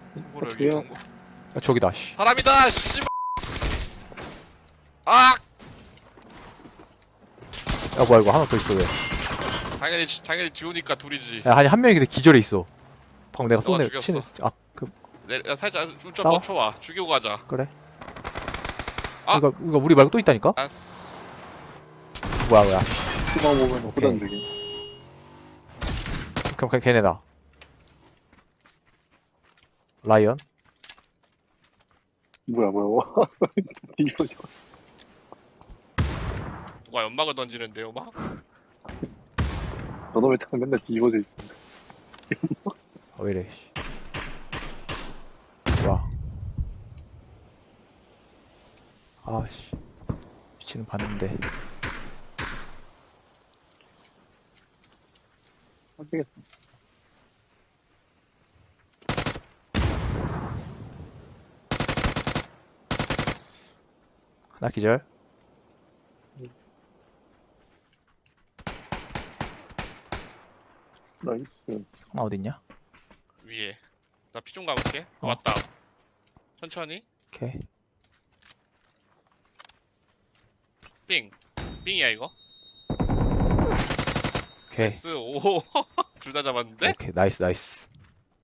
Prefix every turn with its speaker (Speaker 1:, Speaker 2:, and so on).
Speaker 1: 정보를
Speaker 2: 어떡해요?
Speaker 1: 여기 정보.
Speaker 3: 아, 저기다 씨.
Speaker 1: 사람이다 씨발. 아
Speaker 3: 야 뭐야 이거 하나 더 있어 왜?
Speaker 1: 당연히 지우니까 둘이지.
Speaker 3: 야 아니 한 명이 근데 기절해 있어. 방금 내가
Speaker 1: 너가
Speaker 3: 쏜애
Speaker 1: 죽였어.
Speaker 3: 치는 아그
Speaker 1: 야, 살짝 좀
Speaker 3: 싸워?
Speaker 1: 멈춰와. 죽이고 가자.
Speaker 3: 그래.
Speaker 1: 아!
Speaker 3: 그러니까 우리 말고 또 있다니까?
Speaker 1: 아,
Speaker 3: 뭐야.
Speaker 2: 수박 보면
Speaker 3: 오케이.
Speaker 2: 후단되게.
Speaker 3: 그럼 걔네다. 라이언?
Speaker 2: 뭐야. 뒤집어져.
Speaker 1: 누가 연막을 던지는데요, 막?
Speaker 2: 너도 왜 참 맨날 뒤집어져 있어.
Speaker 3: 아 왜이래 씨. 와. 아씨. 위치는 봤는데.
Speaker 2: 어떻겠어.
Speaker 3: 하나 기절.
Speaker 2: 나이스.
Speaker 3: 하나 어딨냐?
Speaker 1: 위에. 나 피 좀 가볼게.
Speaker 3: 어.
Speaker 1: 왔다. 천천히.
Speaker 3: 오케이.
Speaker 1: 삥. 삥이야, 이거?
Speaker 3: 오케이.
Speaker 1: 나이스. 오. 둘 다 잡았는데?
Speaker 3: 오케이 나이스.